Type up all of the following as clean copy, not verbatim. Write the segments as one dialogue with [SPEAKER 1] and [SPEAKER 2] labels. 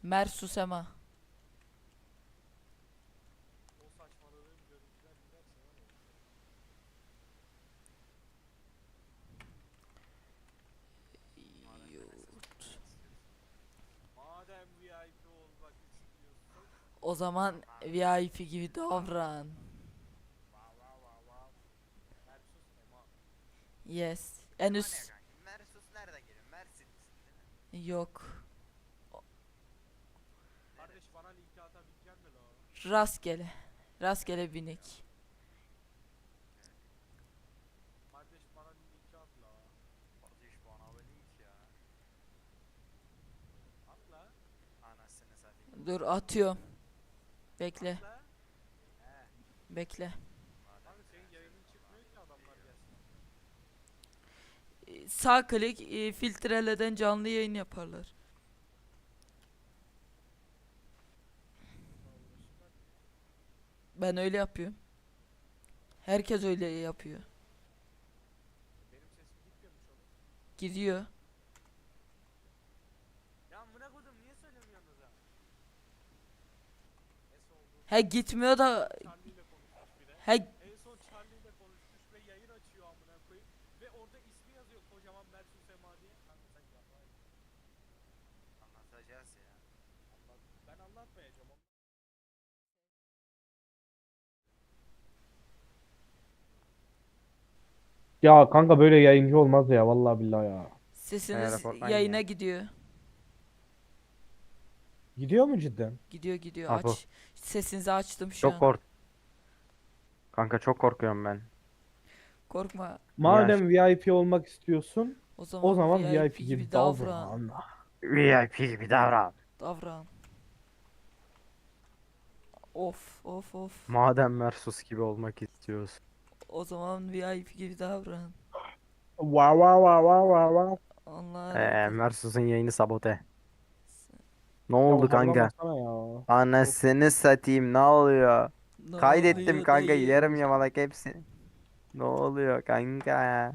[SPEAKER 1] Mersus Ema.
[SPEAKER 2] O saçmaladığım görüntüler giderse var ya. Madem PlayStation olmak istiyorsun. Madem VIP olmak istiyorsun.
[SPEAKER 1] O zaman VIP gibi davran.
[SPEAKER 2] Wow wow wow wow. Versus Ema.
[SPEAKER 1] Yes. En
[SPEAKER 3] Ema ne
[SPEAKER 1] üst
[SPEAKER 3] kanka? Mersus nereden geliyor? Mersinlisin değil mi?
[SPEAKER 1] yok.
[SPEAKER 2] Kardeş bana linki atabilecek mi la?
[SPEAKER 1] Rastgele. Rastgele binek.
[SPEAKER 2] Kardeş bana linki at la.
[SPEAKER 3] Kardeş bana böyle hiç ya.
[SPEAKER 2] At la.
[SPEAKER 3] Anasını satayım.
[SPEAKER 1] Dur atıyorum. Bekle.
[SPEAKER 2] At la. He.
[SPEAKER 1] Bekle.
[SPEAKER 3] Madem
[SPEAKER 2] Kanka senin yayının çıkmıyor ki adamlar gelsin.
[SPEAKER 1] Sağ klik filtreleden canlı yayın yaparlar. Ben öyle yapıyorum. Herkes öyle yapıyor.
[SPEAKER 2] Benim sesim gitmiyormuş oğlum.
[SPEAKER 1] Gidiyor.
[SPEAKER 2] Ya amına koydum niye söylemiyorsunuz ha? Neyse oldu.
[SPEAKER 1] He gitmiyor da
[SPEAKER 2] Charlie ile konuşmuş bir de.
[SPEAKER 1] he
[SPEAKER 2] En son Charlie ile konuşmuş ve yayın açıyor amına koyayım. Ve orada ismi yazıyor kocaman Mersus Ema diye. Kanka sen yapma.
[SPEAKER 3] anlatacağız ya.
[SPEAKER 2] Allah, ben anlatmayacağım.
[SPEAKER 4] Ya kanka böyle yayıncı olmaz ya vallahi billahi ya.
[SPEAKER 1] sesiniz
[SPEAKER 3] Fortnite
[SPEAKER 1] yayına
[SPEAKER 3] ya.
[SPEAKER 1] gidiyor.
[SPEAKER 4] Gidiyor mu cidden?
[SPEAKER 1] Gidiyor gidiyor.
[SPEAKER 3] Apo.
[SPEAKER 1] Aç. Sesinizi açtım şu
[SPEAKER 3] Çok
[SPEAKER 1] an.
[SPEAKER 3] kork. Kanka çok korkuyorum ben.
[SPEAKER 1] Korkma.
[SPEAKER 3] Niye aç?
[SPEAKER 4] Madem VIP olmak istiyorsun,
[SPEAKER 1] O
[SPEAKER 4] o
[SPEAKER 1] zaman
[SPEAKER 4] zaman
[SPEAKER 1] VIP
[SPEAKER 4] VIP
[SPEAKER 1] gibi
[SPEAKER 4] gibi
[SPEAKER 1] davran.
[SPEAKER 4] davran.
[SPEAKER 3] VIP gibi davran.
[SPEAKER 1] Davran. Of of of.
[SPEAKER 3] Madem Mersus gibi olmak istiyorsun.
[SPEAKER 1] O zaman VIP gibi davran.
[SPEAKER 4] Wow wow wow wow wow wow.
[SPEAKER 1] Onlar
[SPEAKER 3] Mersus'un yayını sabote. Ne
[SPEAKER 4] Ya
[SPEAKER 3] oldu kanka?
[SPEAKER 4] harlamasana ya.
[SPEAKER 3] Anasını satayım ne oluyor?
[SPEAKER 1] ne
[SPEAKER 3] Kaydettim
[SPEAKER 1] oluyor
[SPEAKER 3] kanka yarım
[SPEAKER 1] dayı?
[SPEAKER 3] yamalak hepsi. Ne oluyor kanka ya?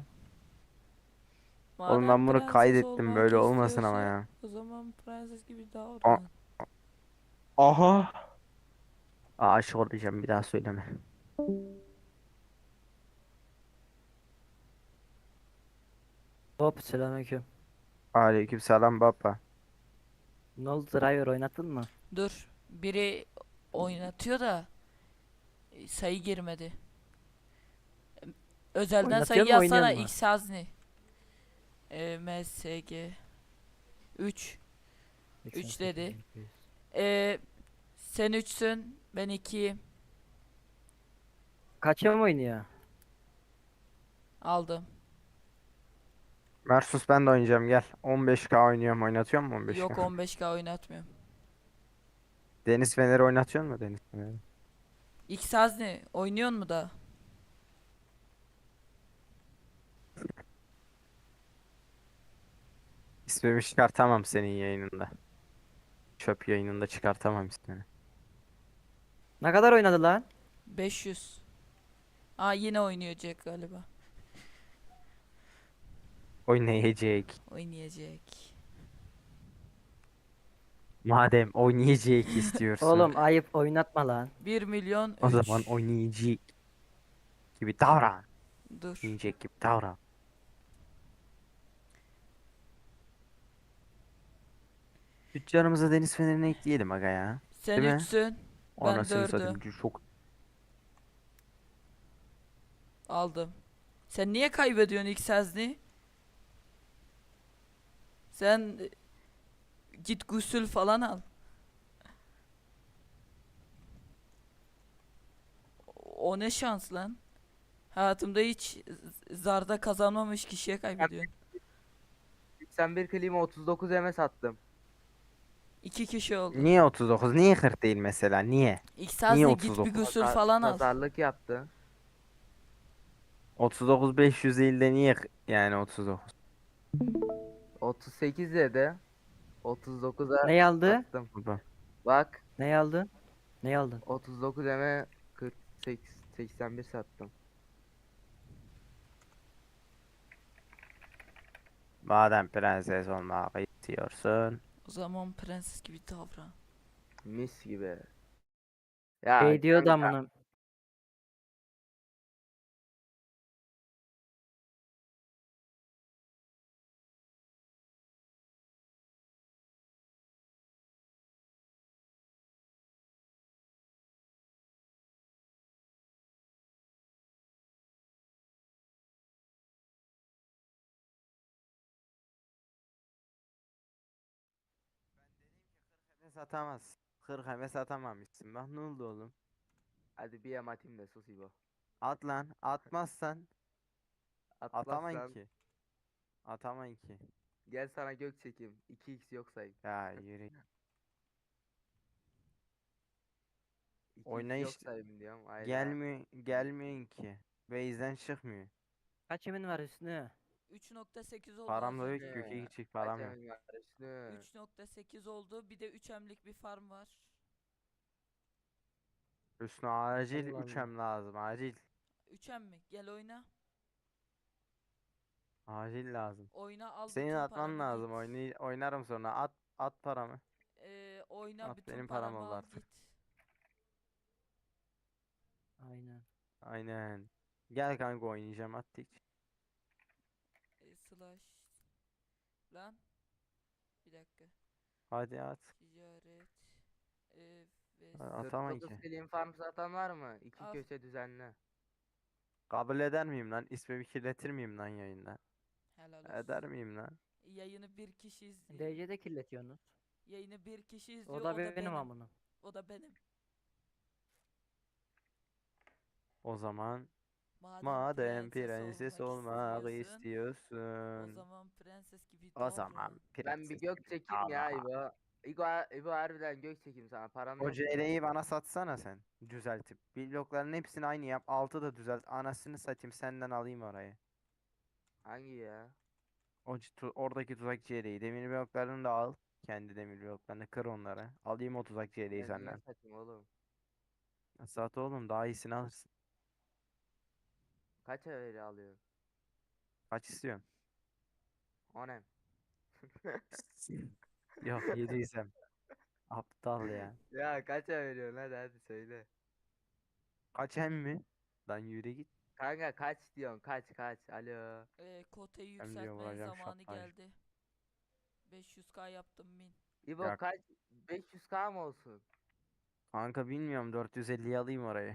[SPEAKER 3] Oğlum
[SPEAKER 1] Madem
[SPEAKER 3] ben bunu
[SPEAKER 1] prenses
[SPEAKER 3] kaydettim
[SPEAKER 1] olmak
[SPEAKER 3] böyle olmasın ama
[SPEAKER 1] istiyorsun,
[SPEAKER 3] ya.
[SPEAKER 1] o zaman prenses gibi
[SPEAKER 3] A
[SPEAKER 1] davran.
[SPEAKER 4] Aha.
[SPEAKER 3] aşık olacağım bir daha söyleme.
[SPEAKER 5] Hop selamünaleyküm.
[SPEAKER 3] Aleykümselam baba.
[SPEAKER 5] Ne oldu driver oynatın mı?
[SPEAKER 1] Dur, biri oynatıyor da sayı girmedi. Özelden sayı
[SPEAKER 5] Oynatıyor mu oynuyor
[SPEAKER 1] yazsana
[SPEAKER 5] mu?
[SPEAKER 1] X Hazni. MSG 3 3 dedi. Sen 3'sün, ben 2'yim.
[SPEAKER 5] Kaça mı oynuyor?
[SPEAKER 1] Aldım.
[SPEAKER 3] Mersus ben de oynayacağım gel. 15K oynuyorum oynatıyor mu 15K?
[SPEAKER 1] Yok 15K oynatmıyorum.
[SPEAKER 3] Deniz Fener'i oynatıyor mu Deniz Fener'i?
[SPEAKER 1] X Hazni oynuyor mu da?
[SPEAKER 3] İsmimi çıkartamam senin yayınında. Çöp yayınında çıkartamam ismini.
[SPEAKER 5] Ne kadar oynadı lan?
[SPEAKER 1] 500. Aa yine oynayacak galiba.
[SPEAKER 3] Oynayacak.
[SPEAKER 1] Oynayacak.
[SPEAKER 3] Madem oynayacak istiyorsun.
[SPEAKER 5] Oğlum ayıp oynatma lan.
[SPEAKER 1] 1 milyon
[SPEAKER 3] O zaman
[SPEAKER 1] 3.
[SPEAKER 3] oynayacak gibi davran.
[SPEAKER 1] Dur.
[SPEAKER 3] Oynayacak gibi davran. Tüccarımıza Deniz Fener'ini ekleyelim aga ya.
[SPEAKER 1] Sen
[SPEAKER 3] Değil mi?
[SPEAKER 1] 3'sün. Ben
[SPEAKER 3] Anasını satayım
[SPEAKER 1] 4'üm.
[SPEAKER 3] çok.
[SPEAKER 1] Aldım. Sen niye kaybediyorsun X Hazni? Sen git gusül falan al. O ne şans lan? Hayatımda hiç zarda kazanmamış kişiye kaybediyorsun.
[SPEAKER 6] 81 klima 39 eme sattım.
[SPEAKER 1] 2 kişi oldu.
[SPEAKER 3] Niye 39? Niye 40 değil mesela? Niye?
[SPEAKER 1] X
[SPEAKER 3] Niye
[SPEAKER 1] Hazni git bir
[SPEAKER 3] 39?
[SPEAKER 1] gusül falan al.
[SPEAKER 6] Pazarlık yaptı.
[SPEAKER 3] 39 500 değil de niye yani 39?
[SPEAKER 6] 38 dedi. 39'a
[SPEAKER 5] Ne aldı?
[SPEAKER 6] sattım.
[SPEAKER 3] Baba.
[SPEAKER 6] Bak
[SPEAKER 5] Ne aldın? Ne aldın?
[SPEAKER 6] 39 eme 48 81 sattım.
[SPEAKER 3] Madem prenses olmak istiyorsun.
[SPEAKER 1] O zaman prenses gibi davran.
[SPEAKER 6] Mis gibi. Ya
[SPEAKER 5] Şey diyordu
[SPEAKER 6] kanka,
[SPEAKER 5] amına.
[SPEAKER 3] Hemes atamaz. 40 hemes atamamışsın. Bak ne oldu oğlum?
[SPEAKER 6] hadi bir yem atayım da sus İbo.
[SPEAKER 3] At lan. Atmazsan atamayın
[SPEAKER 6] Atmazsan
[SPEAKER 3] ki. Atamayın ki.
[SPEAKER 6] gel sana gök çekeyim. 2x yok sayayım.
[SPEAKER 3] Ya yürü.
[SPEAKER 6] 2x yok
[SPEAKER 3] Oynayış
[SPEAKER 6] sayayım diyorum. Hayda.
[SPEAKER 3] gelmiyor ki. Base'den çıkmıyor.
[SPEAKER 5] Kaç yemin var Hüsnü?
[SPEAKER 1] 3.8 oldu
[SPEAKER 3] Param
[SPEAKER 1] az
[SPEAKER 3] da yok
[SPEAKER 1] önce.
[SPEAKER 3] ki. Köke gidecek
[SPEAKER 6] Kaç
[SPEAKER 3] param yok.
[SPEAKER 6] emin var Hüsnü?
[SPEAKER 1] 3.8 oldu. Bir de 3M'lik bir farm var.
[SPEAKER 3] Üstüne acil
[SPEAKER 5] Allah
[SPEAKER 3] 3
[SPEAKER 5] Allah.
[SPEAKER 3] hem lazım. Acil.
[SPEAKER 1] 3M mi? Gel oyna.
[SPEAKER 3] Acil lazım.
[SPEAKER 1] Oyna al
[SPEAKER 3] Senin
[SPEAKER 1] bütün
[SPEAKER 3] atman
[SPEAKER 1] paramı
[SPEAKER 3] lazım.
[SPEAKER 1] git.
[SPEAKER 3] Oynarım sonra. At paramı.
[SPEAKER 1] Oyna
[SPEAKER 3] At
[SPEAKER 1] bütün
[SPEAKER 3] benim param
[SPEAKER 1] paramı
[SPEAKER 3] oldu
[SPEAKER 1] al
[SPEAKER 3] artık.
[SPEAKER 1] git.
[SPEAKER 5] Aynen.
[SPEAKER 3] Aynen. Gel kanka oynayacağım attık.
[SPEAKER 1] Slash. Lan. Bir dakika.
[SPEAKER 3] Hadi at.
[SPEAKER 1] Ticaret. Ve
[SPEAKER 3] Atamayın
[SPEAKER 6] 49
[SPEAKER 3] ki.
[SPEAKER 6] film farm satan var mı? İki
[SPEAKER 1] Al.
[SPEAKER 6] köşe düzenli.
[SPEAKER 3] Kabul eder miyim lan? İsmimi kirletir miyim lan yayında?
[SPEAKER 1] helal
[SPEAKER 3] Eder
[SPEAKER 1] olsun.
[SPEAKER 3] miyim lan?
[SPEAKER 1] Yayını bir kişi izliyor.
[SPEAKER 5] DC'de kirletiyorsunuz.
[SPEAKER 1] Yayını bir kişi izliyor.
[SPEAKER 5] O da benim amına.
[SPEAKER 1] O da benim.
[SPEAKER 3] O zaman
[SPEAKER 1] Madem
[SPEAKER 3] madem prenses olmak
[SPEAKER 1] o
[SPEAKER 3] istiyorsun.
[SPEAKER 1] zaman prenses gibi
[SPEAKER 3] O
[SPEAKER 1] davran.
[SPEAKER 3] zaman
[SPEAKER 6] Ben bir
[SPEAKER 3] prenses
[SPEAKER 6] gök
[SPEAKER 3] gibi
[SPEAKER 6] çekeyim ya
[SPEAKER 3] davran.
[SPEAKER 6] İbo. İbo harbiden gök çekeyim sana. Param
[SPEAKER 3] O
[SPEAKER 6] yok mu?
[SPEAKER 3] CL'yi bana satsana sen. Düzeltip. Blokların hepsini aynı yap. Altı da düzelt. Anasını satayım senden alayım orayı.
[SPEAKER 6] Hangi ya?
[SPEAKER 3] Oradaki tuzak CL'yi. Demir bloklarını da al. Kendi demir bloklarını kır onları. Alayım o tuzak CL'yi
[SPEAKER 6] Ben niye
[SPEAKER 3] senden.
[SPEAKER 6] satayım oğlum?
[SPEAKER 3] Sat oğlum daha iyisini alırsın.
[SPEAKER 6] Kaç evleri alıyorsun?
[SPEAKER 3] Kaç istiyorsun?
[SPEAKER 6] O ne?
[SPEAKER 3] Yok yediysem. Aptal ya.
[SPEAKER 6] Ya kaça veriyorsun hadi söyle.
[SPEAKER 3] Kaç hem mi? Lan yürü git.
[SPEAKER 6] Kanka kaç diyorsun kaç alo.
[SPEAKER 1] Kotayı
[SPEAKER 3] Hem diyor
[SPEAKER 1] yükseltmenin
[SPEAKER 3] vuracağım
[SPEAKER 1] zamanı
[SPEAKER 3] şaptaj.
[SPEAKER 1] geldi. 500k yaptım bin.
[SPEAKER 6] İbo
[SPEAKER 3] Ya
[SPEAKER 6] kaç 500k mı olsun?
[SPEAKER 3] kanka bilmiyorum 450'yi alayım orayı.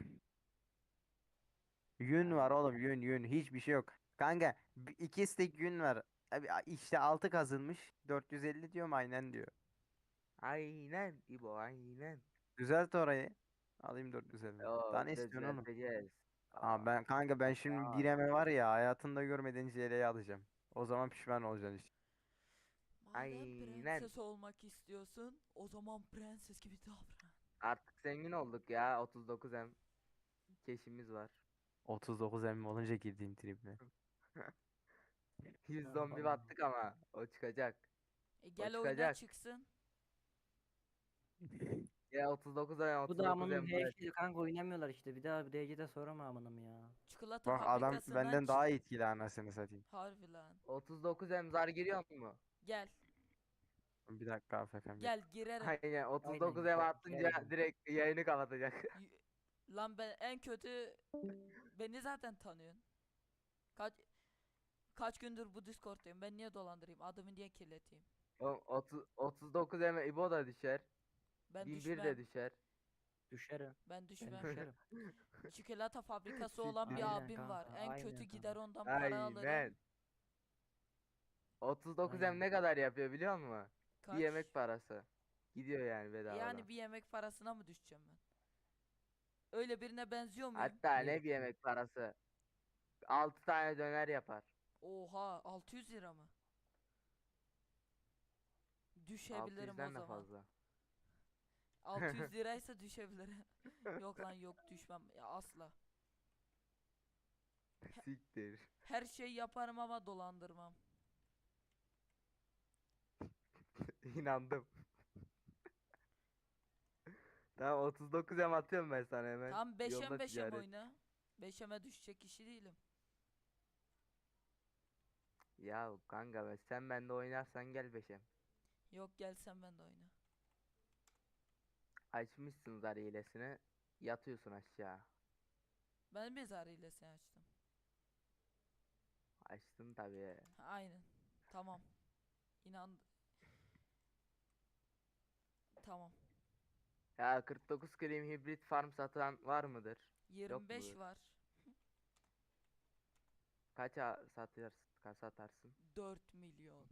[SPEAKER 3] Yün var
[SPEAKER 6] Ha,
[SPEAKER 3] oğlum yün hiçbir şey yok. Kanka iki stek yün var. Abi işte 6 kazılmış 450 diyorum aynen diyor.
[SPEAKER 6] aynen İbo aynen.
[SPEAKER 3] Düzelt orayı. Alayım 450. Daha
[SPEAKER 6] Yo
[SPEAKER 3] ne
[SPEAKER 6] bir de
[SPEAKER 3] istiyorsun oğlum?
[SPEAKER 6] düzelteceğiz.
[SPEAKER 3] Aa,
[SPEAKER 6] Aa,
[SPEAKER 3] ben kanka ben şimdi
[SPEAKER 6] aa,
[SPEAKER 3] bireme var ya hayatında görmediğin JL'yi alacağım. O zaman pişman olacaksın işte.
[SPEAKER 1] Madem
[SPEAKER 6] aynen.
[SPEAKER 1] prenses olmak istiyorsun, o zaman prenses gibi davran.
[SPEAKER 6] Artık zengin olduk ya 39M keşimiz var.
[SPEAKER 3] 39 emmi olunca girdiğim triple.
[SPEAKER 6] 100 zombi battık ama o çıkacak. O
[SPEAKER 1] Gel oyna
[SPEAKER 6] çıkacak.
[SPEAKER 1] çıksın.
[SPEAKER 6] Ya 39M
[SPEAKER 5] Bu da amının
[SPEAKER 6] 39M bırak.
[SPEAKER 5] HD kanka oynamıyorlar işte. Bir daha bir DC'de sorama amınım ya.
[SPEAKER 1] Çikolata
[SPEAKER 3] Bak adam
[SPEAKER 1] fabrikasından
[SPEAKER 3] benden daha etkili anasını satayım.
[SPEAKER 1] Harbi lan.
[SPEAKER 6] 39M zar giriyor mu?
[SPEAKER 1] Gel.
[SPEAKER 3] Bir dakika AFK'm.
[SPEAKER 1] Gel girerim.
[SPEAKER 6] Aynen
[SPEAKER 5] Aynen
[SPEAKER 6] 39M atınca
[SPEAKER 5] güzel.
[SPEAKER 6] direkt yayını kapatacak.
[SPEAKER 1] Y- Lan ben en kötü beni zaten tanıyorsun. Kaç kaç gündür bu Discord'tayım. Ben niye dolandırayım? Adımı niye kirleteyim?
[SPEAKER 6] 39M İbo da düşer.
[SPEAKER 1] Ben
[SPEAKER 6] 1001 de
[SPEAKER 1] düşmem.
[SPEAKER 6] düşer.
[SPEAKER 5] Düşerim.
[SPEAKER 1] Ben
[SPEAKER 5] Ben
[SPEAKER 1] düşmem.
[SPEAKER 5] düşerim.
[SPEAKER 1] Çikolata fabrikası olan bir
[SPEAKER 5] Aynen
[SPEAKER 1] abim var.
[SPEAKER 5] kanka,
[SPEAKER 1] En
[SPEAKER 5] aynen
[SPEAKER 1] kötü
[SPEAKER 5] kanka.
[SPEAKER 1] gider ondan para alırım.
[SPEAKER 6] Aynen. 39M
[SPEAKER 5] Aynen.
[SPEAKER 6] ne kadar yapıyor biliyor musun? Bir
[SPEAKER 1] Kaç?
[SPEAKER 6] yemek parası. Gidiyor yani bedavadan.
[SPEAKER 1] Yani bir yemek parasına mı düşeceğim ben? Öyle birine benziyor muyum?
[SPEAKER 6] Hatta
[SPEAKER 5] Niye
[SPEAKER 6] ne bir yemek parası. 6 tane döner yapar.
[SPEAKER 1] Oha 600 lira mı? Düşebilirim o
[SPEAKER 6] 600'den de
[SPEAKER 1] zaman.
[SPEAKER 6] fazla.
[SPEAKER 1] 600 liraysa düşebilirim. Yok lan yok düşmem ya asla.
[SPEAKER 6] Siktir.
[SPEAKER 1] Her şey yaparım ama dolandırmam.
[SPEAKER 6] İnandım. Tamam 39'a atıyorum ben sana hemen.
[SPEAKER 1] Tam 5'em
[SPEAKER 6] Yolda
[SPEAKER 1] 5'em
[SPEAKER 6] ticaret.
[SPEAKER 1] oyna. 5'eme düşecek kişi değilim.
[SPEAKER 6] Ya kanka be sen bende oynarsan gel beşem.
[SPEAKER 1] Yok gelsen ben de oyna.
[SPEAKER 6] Açmışsın zar hilesini. Yatıyorsun aşağı.
[SPEAKER 1] Ben mezar hilesini açtım.
[SPEAKER 6] Açtın tabii.
[SPEAKER 1] Ha, aynen. Tamam. İnan. Tamam.
[SPEAKER 6] Ya 49 Klim hibrit farm satan var mıdır?
[SPEAKER 1] 25
[SPEAKER 6] mudur?
[SPEAKER 1] var.
[SPEAKER 6] Kaça satarsın?
[SPEAKER 1] 4 milyon.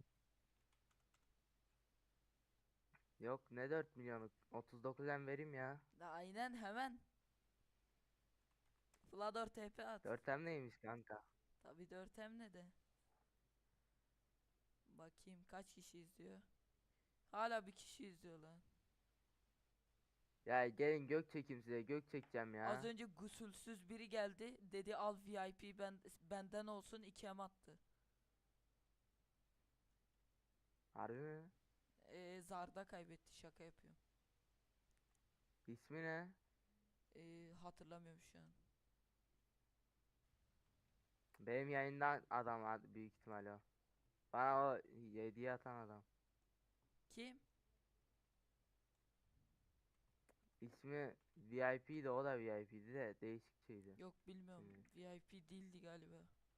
[SPEAKER 6] Yok ne 4 milyonu? 39'dan vereyim ya.
[SPEAKER 1] Da aynen hemen. Flador TP at.
[SPEAKER 6] 4'em neymiş kanka?
[SPEAKER 1] Tabii 4 hem ne de. Bakayım kaç kişi izliyor. Hala bir kişi izliyor lan.
[SPEAKER 6] Ya gelin gök çekeyim size, gök çekeceğim ya.
[SPEAKER 1] Az önce gusülsüz biri geldi. Dedi al VIP benden olsun 2 hem attı.
[SPEAKER 6] Harbi mi?
[SPEAKER 1] Zarda kaybetti, şaka yapıyorum.
[SPEAKER 6] İsmi ne?
[SPEAKER 1] Hatırlamıyorum şu an.
[SPEAKER 6] Benim yayından adam büyük ihtimal o. Bana o hediye atan adam.
[SPEAKER 1] Kim?
[SPEAKER 6] İsmi VIP'di, o da VIP'di de değişik şeydi.
[SPEAKER 1] Yok bilmiyorum.
[SPEAKER 6] Hmm.
[SPEAKER 1] VIP değildi galiba.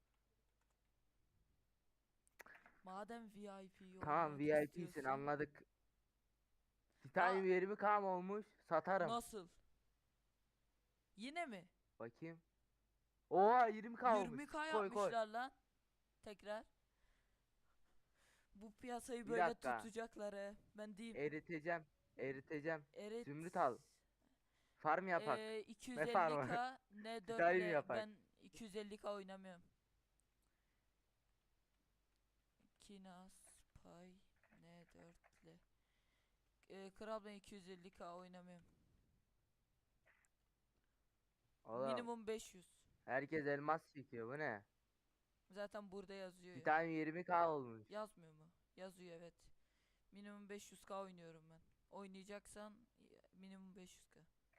[SPEAKER 1] Madem VIP
[SPEAKER 6] Tamam
[SPEAKER 1] olmak
[SPEAKER 6] VIP'sin
[SPEAKER 1] istiyorsun.
[SPEAKER 6] anladık. Titanium 20k mı olmuş? Satarım.
[SPEAKER 1] Nasıl? Yine mi?
[SPEAKER 6] Bakayım. Oha 20k olmuş.
[SPEAKER 1] 20k
[SPEAKER 6] Koy koy.
[SPEAKER 1] yapmışlar lan. Tekrar. Bu piyasayı
[SPEAKER 6] Bir
[SPEAKER 1] böyle
[SPEAKER 6] dakika.
[SPEAKER 1] tutacaklar he. Ben diyeyim.
[SPEAKER 6] Eriteceğim. Eriteceğim.
[SPEAKER 1] Evet.
[SPEAKER 6] Zümrüt al. Farm yapak. Ne farmı?
[SPEAKER 1] 250k ne
[SPEAKER 6] Titanium
[SPEAKER 1] 4'le
[SPEAKER 6] yapak.
[SPEAKER 1] ben 250k oynamıyorum. Kinas pay ne 4'le. Kral ben 250k oynamıyorum.
[SPEAKER 6] Oğlum,
[SPEAKER 1] Minimum 500.
[SPEAKER 6] herkes elmas çekiyor, bu ne?
[SPEAKER 1] Zaten burada yazıyor ya.
[SPEAKER 6] Titanium 20k olmuş.
[SPEAKER 1] Yazmıyor mu? Yazıyor evet. Minimum 500k oynuyorum ben. Oynayacaksan minimum 500k.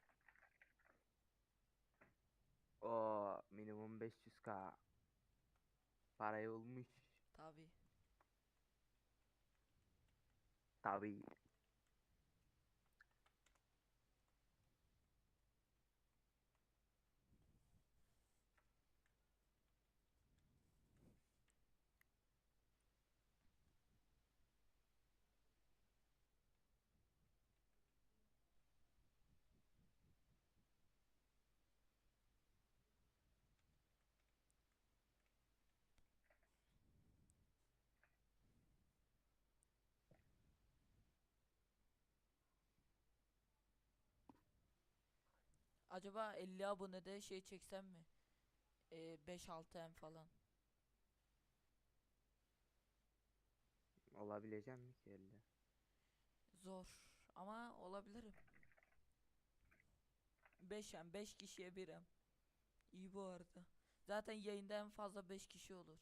[SPEAKER 6] O minimum 500k. Parayı bulmuş.
[SPEAKER 1] Tabi.
[SPEAKER 6] Tabii.
[SPEAKER 1] Acaba 50 abonede şey çeksem mi? 5-6 M falan.
[SPEAKER 6] Olabilecek mi ki elde?
[SPEAKER 1] Zor ama olabilirim. 5M 5 kişiye 1 M. İyi bu arada. Zaten yayında en fazla 5 kişi olur.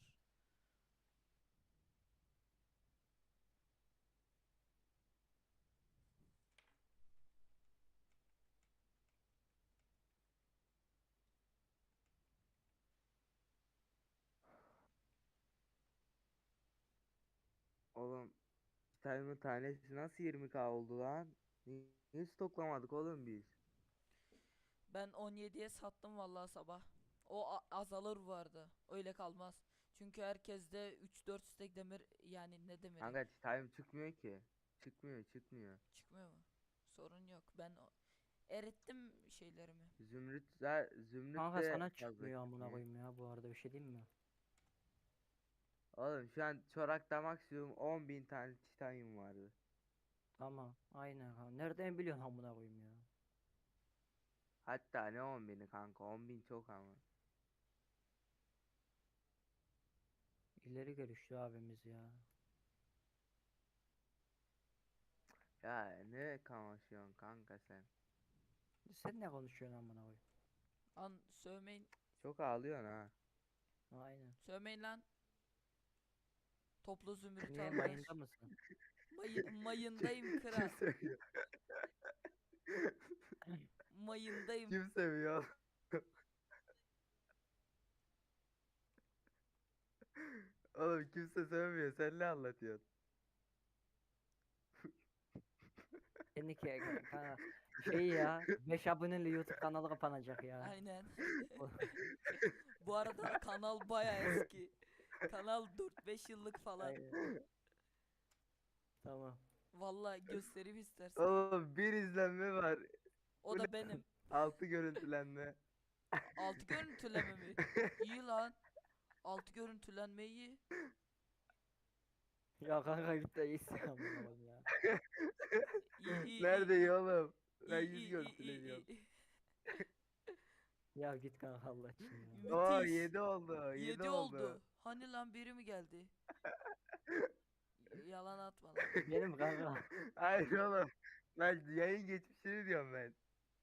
[SPEAKER 6] Oğlum Titanium'un tanesi nasıl 20k oldu lan? Niye stoklamadık oğlum biz?
[SPEAKER 1] Ben 17'ye sattım vallahi sabah. O azalır vardı. Öyle kalmaz. Çünkü herkeste 3-4 stek demir, yani ne demiri?
[SPEAKER 6] Kanka Titanium çıkmıyor ki. Çıkmıyor.
[SPEAKER 1] Çıkmıyor mu? Sorun yok. Ben erittim şeylerimi.
[SPEAKER 6] Zümrüt
[SPEAKER 5] Kanka
[SPEAKER 6] de
[SPEAKER 5] sana
[SPEAKER 6] fazla
[SPEAKER 5] çıkmıyor amına
[SPEAKER 6] çıkmıyor.
[SPEAKER 5] koyayım ya, bu arada bir şey diyeyim mi?
[SPEAKER 6] Oğlum şu an çorakta maksimum 10.000 tane titanyum vardı.
[SPEAKER 5] Tamam aynen kanka. Nereden biliyorsun amına koyayım ya?
[SPEAKER 6] Hatta ne 10.000'i kanka, 10.000 çok ama.
[SPEAKER 5] İleri görüşlü abimiz ya.
[SPEAKER 6] Ya ne kamaşıyorsun kanka sen?
[SPEAKER 5] Sen ne konuşuyorsun amına koyayım?
[SPEAKER 1] Lan sövmeyin.
[SPEAKER 6] Çok ağlıyorsun ha.
[SPEAKER 5] Aynen.
[SPEAKER 1] Sövmeyin lan. Toplu zümrüt
[SPEAKER 5] Niye
[SPEAKER 1] aldılar.
[SPEAKER 5] mayında mısın?
[SPEAKER 1] Mayındayım kral.
[SPEAKER 6] Kim seviyor?
[SPEAKER 1] Mayındayım.
[SPEAKER 6] Kim seviyor? Oğlum kimse sevmiyor. Sen ne anlatıyorsun?
[SPEAKER 5] Seninki kanka şey ya 5 aboneli YouTube kanalı kapanacak ya.
[SPEAKER 1] Aynen. Bu arada kanal baya eski. Kanal 4-5 yıllık falan.
[SPEAKER 5] Aynen. Tamam.
[SPEAKER 1] Vallahi göstereyim istersen.
[SPEAKER 3] Oğlum bir izlenme var.
[SPEAKER 1] O
[SPEAKER 3] bu
[SPEAKER 1] da
[SPEAKER 3] ne?
[SPEAKER 1] benim.
[SPEAKER 3] 6 görüntülenme.
[SPEAKER 1] Altı görüntüleme mi? İyi lan. Altı görüntülenme iyi.
[SPEAKER 5] Ya kanka git de iyisin amına koyayım ya.
[SPEAKER 1] İyi iyi
[SPEAKER 3] Nerede
[SPEAKER 1] iyi.
[SPEAKER 3] iyi oğlum? Ben
[SPEAKER 1] İyi
[SPEAKER 3] 100
[SPEAKER 1] iyi iyi iyi
[SPEAKER 3] görüntüleniyorum.
[SPEAKER 1] iyi.
[SPEAKER 5] Ya git kanka Allah için ya.
[SPEAKER 3] Oo
[SPEAKER 1] Müthiş.
[SPEAKER 3] 7 oldu. 7
[SPEAKER 1] 7
[SPEAKER 3] oldu.
[SPEAKER 1] oldu. Hani lan biri mi geldi? Yalan atma lan.
[SPEAKER 5] Benim kanka.
[SPEAKER 3] Hayır oğlum. Ben yayın geçmişini diyorum ben.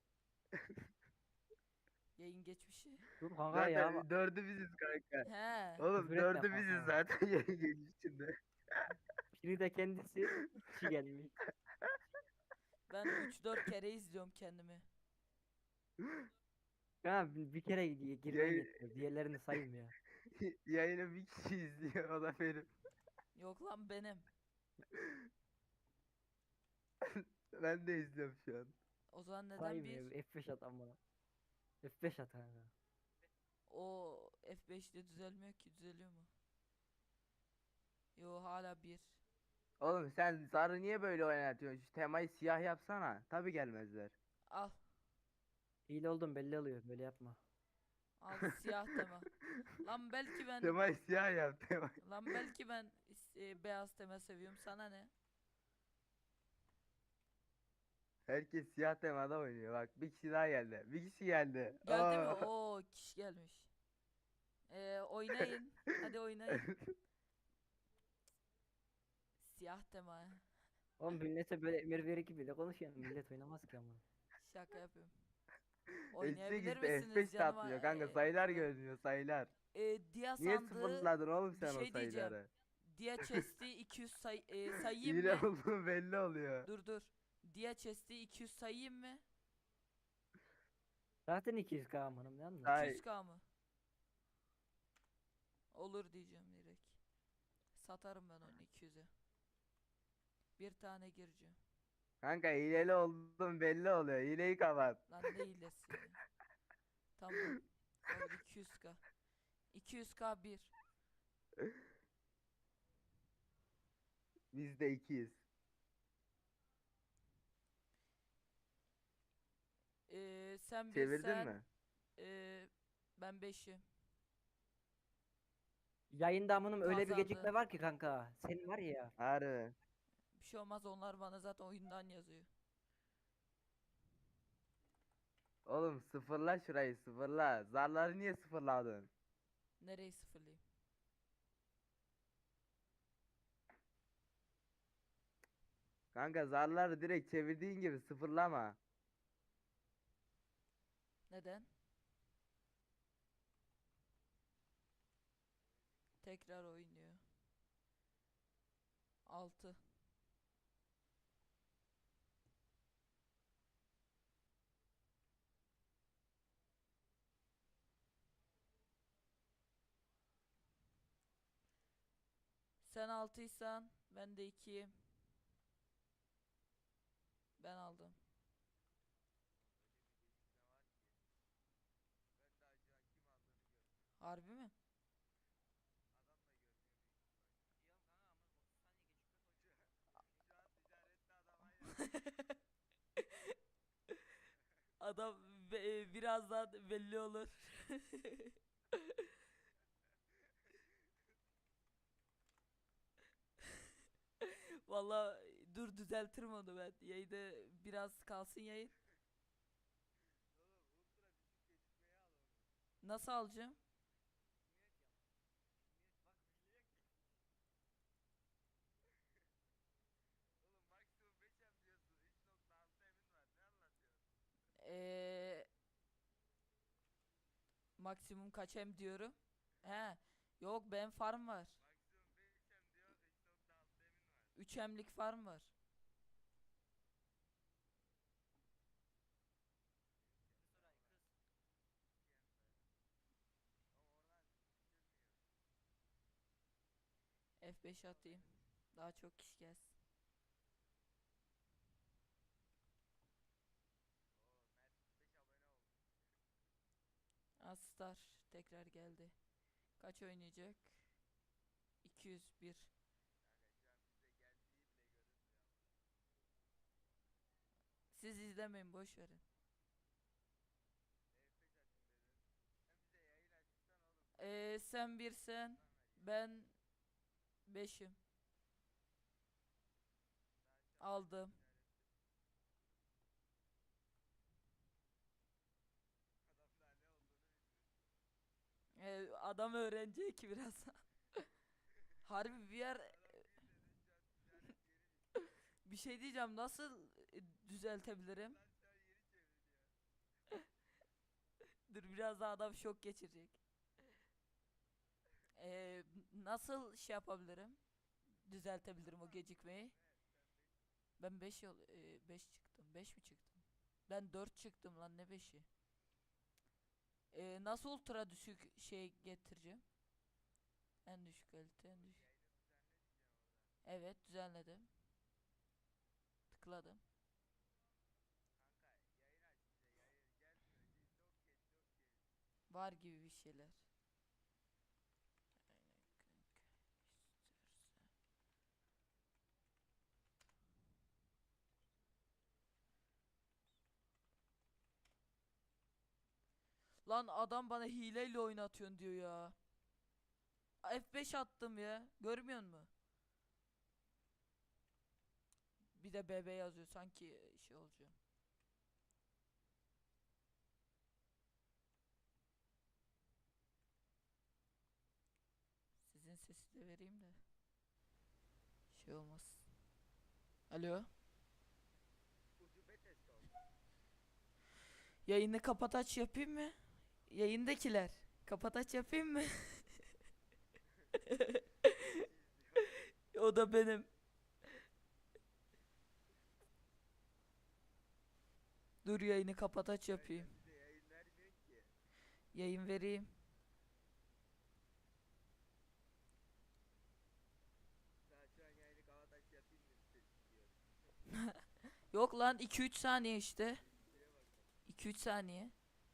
[SPEAKER 1] Yayın geçmişi.
[SPEAKER 5] Dur kanka ya.
[SPEAKER 3] Zaten dördü biziz kanka.
[SPEAKER 1] He.
[SPEAKER 3] Oğlum
[SPEAKER 5] Küfür etme
[SPEAKER 3] dördü biziz
[SPEAKER 5] kanka.
[SPEAKER 3] zaten yayın geçmişinde.
[SPEAKER 5] Biri de kendisi. Kişi gelmiş.
[SPEAKER 1] Ben 3-4 kere izliyorum kendimi.
[SPEAKER 5] Kanka bir kere girmen
[SPEAKER 3] Yayın-
[SPEAKER 5] yetiyor. Diğerlerini saymıyor.
[SPEAKER 3] Yayını bir kişi izliyor, o da benim.
[SPEAKER 1] Yok lan benim.
[SPEAKER 3] Ben de izliyorum şu an.
[SPEAKER 1] O zaman neden
[SPEAKER 5] Saymıyor.
[SPEAKER 1] bir?
[SPEAKER 5] F5 at amına. F5 at kanka.
[SPEAKER 1] O F5'te düzelmiyor ki. Düzeliyor mu? Yo hala bir.
[SPEAKER 3] Oğlum sen zarı niye böyle oynatıyorsun? Şu temayı siyah yapsana. Tabi gelmezler.
[SPEAKER 1] Al.
[SPEAKER 5] Hile oldum belli oluyor. Böyle yapma.
[SPEAKER 1] Al siyah tema. Lan belki ben
[SPEAKER 3] Temayı siyah yap temayı.
[SPEAKER 1] lan belki ben beyaz tema seviyorum. Sana ne?
[SPEAKER 3] Herkes siyah temada oynuyor. Bak bir kişi daha geldi. Bir kişi geldi.
[SPEAKER 1] Geldi mi?
[SPEAKER 3] Aa.
[SPEAKER 1] Oo kişi gelmiş. Oynayın. Hadi oynayın. Siyah tema.
[SPEAKER 5] Oğlum millete böyle emir verir gibi de konuşuyor. Millet oynamaz ki ama.
[SPEAKER 1] Şaka yapıyorum.
[SPEAKER 3] Eşek
[SPEAKER 1] Oynayabilir
[SPEAKER 3] işte
[SPEAKER 1] misiniz
[SPEAKER 3] F5 de
[SPEAKER 1] canıma?
[SPEAKER 3] atmıyor kanka. Sayılar görünüyor sayılar.
[SPEAKER 1] Dia
[SPEAKER 3] Niye
[SPEAKER 1] sandığı
[SPEAKER 3] sıfırladın oğlum
[SPEAKER 1] bir
[SPEAKER 3] sen o
[SPEAKER 1] şey diyeceğim.
[SPEAKER 3] sayıları?
[SPEAKER 1] Dia chest'i 200 sayayım
[SPEAKER 3] Hile
[SPEAKER 1] mı?
[SPEAKER 3] olduğu belli oluyor.
[SPEAKER 1] Dur. Dia chest'i 200 sayayım mı?
[SPEAKER 5] Zaten 200k amınım ne anladın?
[SPEAKER 3] Ay.
[SPEAKER 1] 200k mı? Olur diyeceğim direkt. Satarım ben onu 200'e. Bir tane gireceğim.
[SPEAKER 3] Kanka hileli olduğun belli oluyor. Hileyi kapat.
[SPEAKER 1] Lan ne hilesi ya. Tamam. Olur 200k. 200k bir.
[SPEAKER 3] Biz de ikiyiz.
[SPEAKER 1] Sen
[SPEAKER 3] Çevirdin
[SPEAKER 1] birsen
[SPEAKER 3] mi?
[SPEAKER 1] ben 5'im.
[SPEAKER 5] Yayında amınım öyle bir
[SPEAKER 1] Kazandı.
[SPEAKER 5] gecikme var ki kanka. Senin var ya.
[SPEAKER 3] Harbi.
[SPEAKER 1] Bir şey olmaz, onlar bana zaten oyundan yazıyor.
[SPEAKER 3] Oğlum sıfırla şurayı sıfırla. Zarları niye sıfırladın?
[SPEAKER 1] Nereyi sıfırlayayım?
[SPEAKER 3] Kanka zarları direkt çevirdiğin gibi sıfırlama.
[SPEAKER 1] Neden? Tekrar oynuyor. 6. Sen 6'ysan ben de 2'yim. Ben aldım. Harbi mi? Adam birazdan belli olur. Valla dur düzeltirim onu ben. Yayında biraz kalsın yayın. Nasıl alacağım? Eee maksimum kaç hem diyorum. He. Yok ben farm var. 3 hemlik farm var. F5 atayım. Daha çok kişi gelsin. Star tekrar geldi. Kaç oynayacak? 201. Siz izlemeyin, boş verin. Sen birsen, ben 5'im. Aldım. Adam öğrenecek ki birazdan. Harbi bir yer bir şey diyeceğim, nasıl düzeltebilirim? Dur, biraz daha adam şok geçirecek. Nasıl şey yapabilirim? Düzeltebilirim o gecikmeyi. Ben 5 çıktım. 5 mi çıktım? Ben 4 çıktım lan, ne 5'i? Nasıl ultra düşük şey getireceğim? En düşük kalite, en düşük. Evet, düzenledim. Tıkladım. Var gibi bir şeyler. Lan adam bana hileyle oynatıyorsun diyor ya. F5 attım ya. Görmüyor musun? Bir de BB yazıyor, sanki şey olacağım. Sizin sesi de vereyim de şey olmaz. Alo. Yayını kapat aç yapayım mı? Yayındakiler. Kapat aç yapayım mı? O da benim. Dur, yayını kapat aç yapayım. Yayın vereyim. Yok lan, 2-3 saniye işte. 2-3 saniye.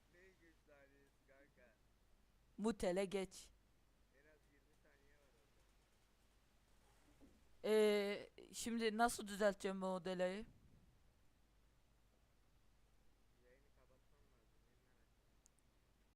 [SPEAKER 1] Mutele geç. Şimdi nasıl düzelteceğim bu delayı?